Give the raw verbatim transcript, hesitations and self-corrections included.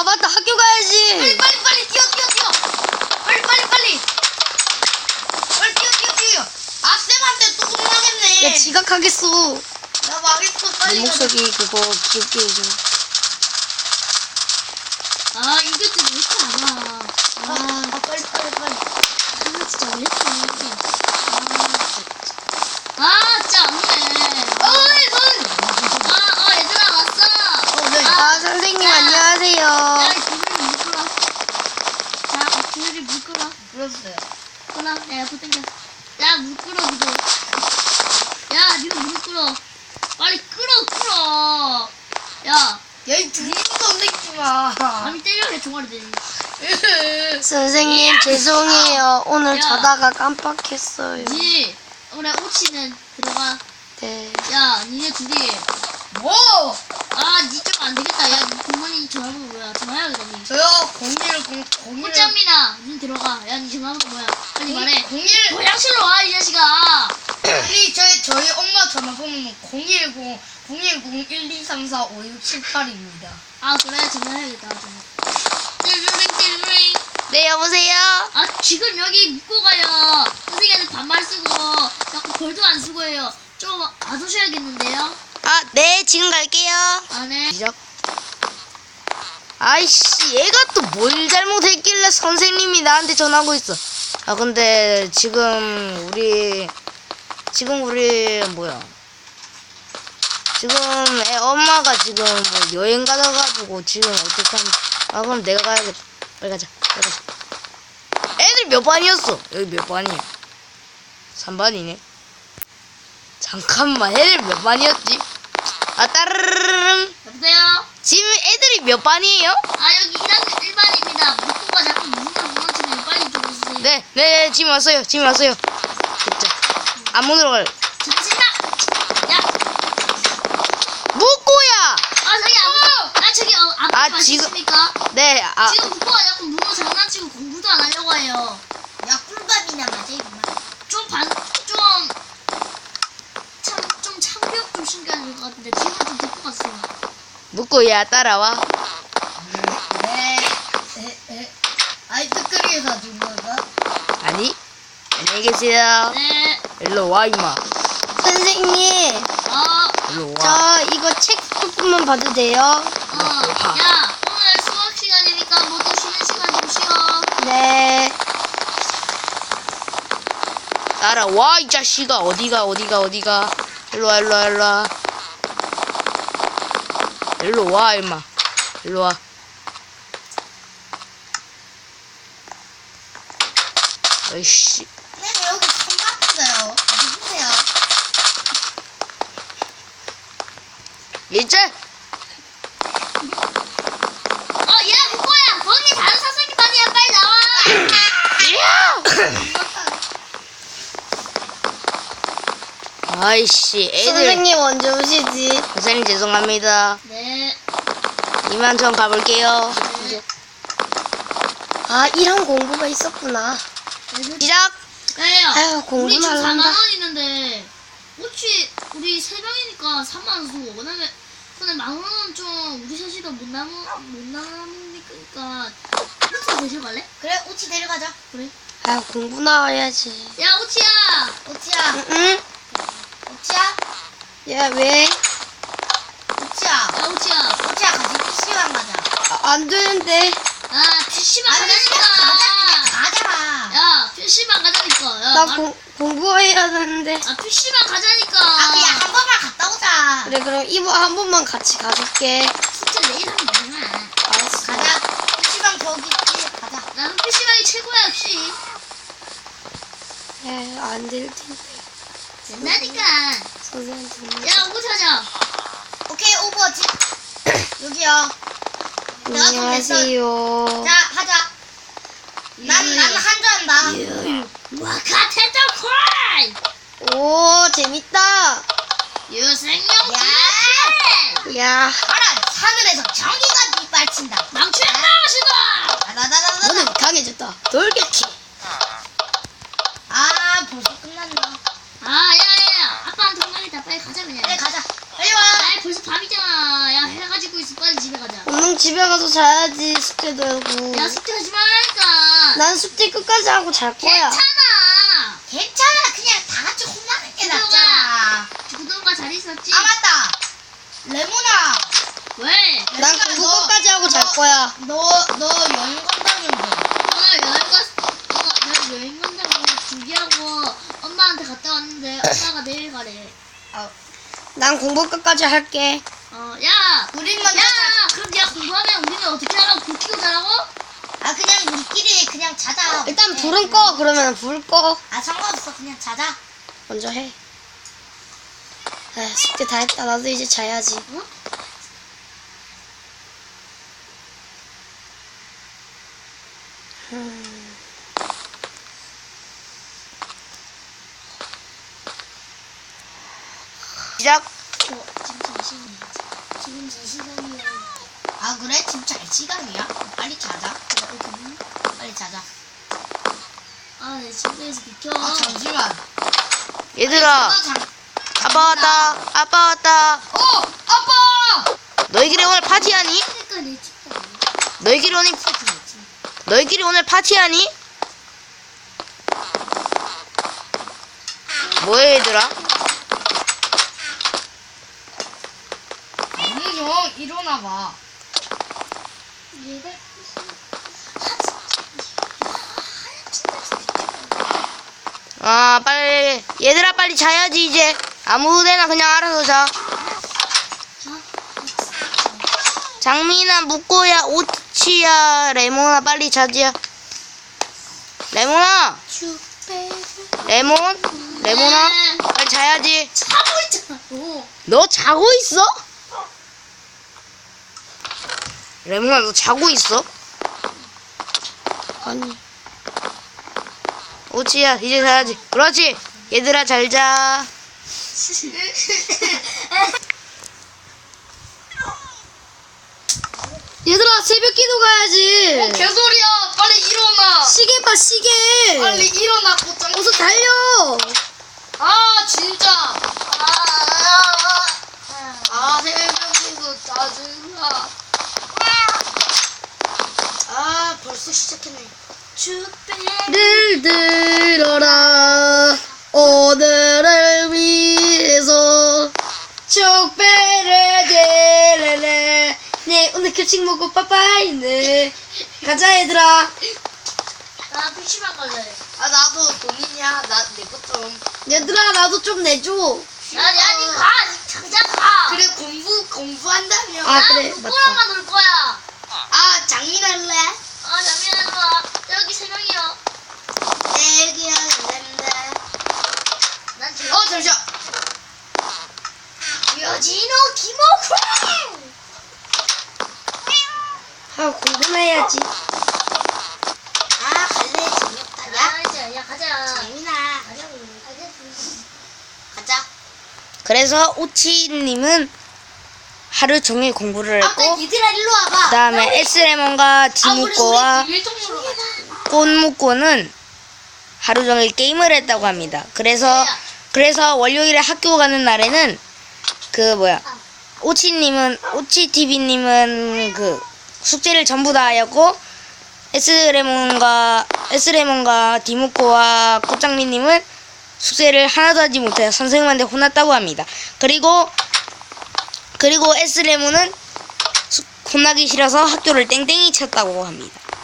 맞다, 학교 가야지. 빨리 빨리 빨리 뛰어 뛰어 뛰어. 빨리 빨리 빨리. 빨리 뛰어 뛰어 뛰어. 아 쌤한테 또 혼나겠네. 야, 지각하겠어. 나 망했어. 내 빨리 가자. 목소리 그거 귀엽게 해줘. 아 이거 진짜 왜 이렇게 안 와? 아, 아 빨리 빨리 빨리. 아 진짜 왜 이렇게 안 와? 아 진짜 안 오네. 어이 손. 아, 어, 얘들아, 왔어. 어 네. 아, 선생님, 야. 안녕하세요. 야, 이 비늘이 물 끓어. 자, 어, 비늘이 물 끓어. 불렀어요. 끓어. 야, 옆으로 당겨. 야, 물 끓어, 니도. 야, 니도 물 끓어. 빨리 끓어, 끓어. 야, 야이 등도 내지 마. 감히 때려, 내 종아리 되니. 선생님, 죄송해요. 오늘 야. 자다가 깜빡했어요. 니, 그래, 오치는 들어가. 네. 야, 니네 둘이. 뭐? 아, 니 좀 안 되겠다. 야, 니 부모님 전화번호 뭐야? 전화해야겠다, 니. 저요 공일 공일. 꽃장민아, 니 들어가. 야, 니 전화번호 뭐야? 빨리 말해. 공일. 고양실로 와, 이 자식아. 우리 저희 저희 엄마 전화번호는 공일공 공일공 일이삼사 오육칠팔입니다. 아, 그래, 전화해야겠다, 좀. 띠루링, 띠루링. 네, 여보세요? 아, 지금 여기 묻고 가요. 선생님한테 반말 쓰고, 자꾸 벌도 안 쓰고 해요. 좀 와주셔야겠는데요? 아, 네, 지금 갈게요. 아, 네. 시작. 아이씨, 얘가 또 뭘 잘못했길래 선생님이 나한테 전화하고 있어. 아, 근데 지금 우리, 지금 우리, 뭐야. 지금 애 엄마가 지금 뭐 여행 가다가지고 지금 어떡하면. 아, 그럼 내가 가야겠다. 빨리 가자. 빨리 가자. 애들 몇 반이었어? 여기 몇 반이야? 삼 반이네. 잠깐만, 애들 몇 반이었지? 아, 따르르릉. 여보세요? 지금 애들이 몇 반이에요? 아, 여기 일 학년 일 반입니다. 묻고 가 자꾸 문을 무너지면 빨리 좀 오세요. 네, 네, 지금 왔어요. 지금 왔어요. 됐죠. 앞문으로 갈. 잠시만! 야! 묵고야! 아, 저기 아무, 아, 저기, 어, 아무 아, 가시십니까? 네, 아, 지금 묻고 가 자꾸 문어 장난치고 공부도 안 하려고 해요. 야 꿀밤이나 맞아 이거만. 좀 반, 좀, 참, 좀 참교육 좀 신경해야 될 것 같은데, 뒤로 좀 데리고 갔어요. 묵고야, 따라와. 네. 에, 에. 아이스크림 사준 거가? 아니, 안녕히 계세요. 네, 일로 와, 임마. 선생님, 어, 일로 와. 저 이거 책 조금만 봐도 돼요? 어, 야, 오늘 수학 시간이니까 모두 쉬는 시간 좀 쉬어. 네. 따라와, 이 자식아. 어디가, 어디가, 어디가. 일로 와, 일로 와, 일로 와. 일로 와, 임마. 일로 와. 아이씨. 네 여기 선박 있어요. 누구세요? 이제 어, 야, 묵고야, 거기 다른 선생님 반이야, 빨리 나와. 아이씨, 애들. 선생님 언제 오시지? 선생님 죄송합니다. 네, 이만 전 가볼게요. 네. 아 이런 공부가 있었구나. 시작. 야야, 아유, 우리 공부는 지금 안 사만 한다. 원 있는데 혹시 우리 세 명이니까 삼만 원 수. 왜냐면 근데 만 원은 좀 우리 셋이도 못 남으 못 남으니까 호치 대신 갈래? 그래 오치 데려가자. 그래. 아유 공부 나와야지. 야 호치야. 오치야. 응? 오치야. 야 왜? 오치야. 야 호치야. 오치야 같이 피시방 가자. 아, 안 되는데. 아 피시방 아니 그냥 가자 그냥 가자니까. 가자. 야 피시방 가자니까. 야, 나 말- 공, 공부해야 되는데. 아 피시방 가자니까. 아 그냥 한 번만 갔다 오자. 그래 그럼 이모 한 번만 같이 가줄게. 숙제 내일 하면 되잖아. 알았어. 가자. 피시방 거기 있지. 가자. 나는 피시방이 최고야 역시. 야안될 텐데. 된다니까. 선생님한테. 야 오고 찾아. 오케이 오버워치. 여기요. 내가 좀 냈어. 안녕하세요. 자 하자. 난 난 한자 한다. 와카 테터 크라이. 오 재밌다. 유생용 야. 야. 알아. 하늘에서 정의가 빗발친다. 망치의 나가시다. 나나나나나. 오늘 강해졌다. 돌격해. 아 벌써 끝났나? 아 야야야 아빠한테 혼나겠다. 빨리 가자 그냥. 그래 가자. 빨리 와. 아 벌써 밤이잖아. 야 해가지고 있어. 빨리 집에 가자. 오늘 집에 가서 자야지. 숙제도 하고. 야 숙제 하지 말라니까. 난 숙제 끝까지 하고 잘 거야. 괜찮아. 괜찮아. 그냥 다 같이 혼나는 게 구동아. 낫잖아. 구동가 잘 있었지? 아 맞다. 레몬아. 왜? 난 내가 공부 너- 끝까지 하고 잘 너- 거야. 너 너 여행 간다면서. 오늘 여행 갔. 어, 나 여행 간다고 준비하고 엄마한테 갔다 왔는데 엄마가 내일 가래. 난 공부 끝까지 할게. 어, 야. 우린 먼저 야, 자. 그럼 네가 공부하면 우리는 어떻게 하라고? 불 켜고 자라고? 아 그냥 우리끼리 그냥 자자. 일단 네. 불은 꺼. 그러면 불 꺼. 아 상관없어. 그냥 자자. 먼저 해. 아, 숙제 다 했다. 나도 이제 자야지. 어? 음. 시작. 어, 지금 자신이. 지금 제 시간이야. 아 그래? 지금 잘 시간이야? 빨리 자자. 빨리 자자. 아, 내 침대에서 비켜. 아 잠시만. 얘들아, 잠깐, 잠- 아빠 왔다. 아빠 왔다. 어 아빠. 너희끼리 오늘 파티하니? 그러니까 내 침대. 너희끼리 오늘 너희끼리 오늘 파티하니? 뭐해 얘들아? 아니 형 일어나봐. 얘가 아 빨리 얘들아 빨리 자야지 이제. 아무데나 그냥 알아서 자. 장민아, 묵고야, 오치야, 레몬아 빨리 자지야. 레몬아, 레몬, 레몬아 빨리 자야지. 자고 있잖아. 어. 너 자고 있어? 레몬아 너 자고 있어? 아니. 오치야 이제 자야지. 그렇지. 얘들아 잘 자. 얘들아, 새벽 기도 가야지. 어, 개소리야. 빨리 일어나. 시계 봐, 시계. 빨리 일어나 곧장. 어서 달려. 아 진짜. 아 새벽에도 짜증나. 아 벌써 시작했네. 를 들어라. 오늘을 위해서 촉배를 들래. 네, 오늘 급식 먹고 빠빠이네. 가자, 얘들아. 나 피시방 갈래. 아 나도 돈이냐? 나내 것 좀. 얘들아, 나도 좀 내줘. 야, 야, 니 가. 당장 가. 그래 공부 공부한다며. 아, 나 그래, 누구랑만 놀 거야. 아 장민 할래? 아, 잠시만 일로 와. 여기 세 명이요. 내기 할랜데. 난 지금. 어 잠시만. 여진호 김호구. 아, 공부나 해야지. 아 갈래 재미없다. 야 야, 이제 야 가자. 장민아. 가자고. 가자. 그래서 오치님은 하루 종일 공부를 아빠 했고 얘들아 일로 와봐. 그 다음에 에스레몬과 디무꼬와 일통으로 가자. 꽃무꼬는 하루 종일 게임을 했다고 합니다. 그래서 그래서 월요일에 학교 가는 날에는 그 뭐야 오치님은 오치티비님은 그 숙제를 전부 다 하였고 에스레몬과 에스레몬과 디무꼬와 꽃장미님은 숙제를 하나도 하지 못해 선생님한테 혼났다고 합니다. 그리고 그리고 에스레몬은 수- 혼나기 싫어서 학교를 땡땡이 쳤다고 합니다.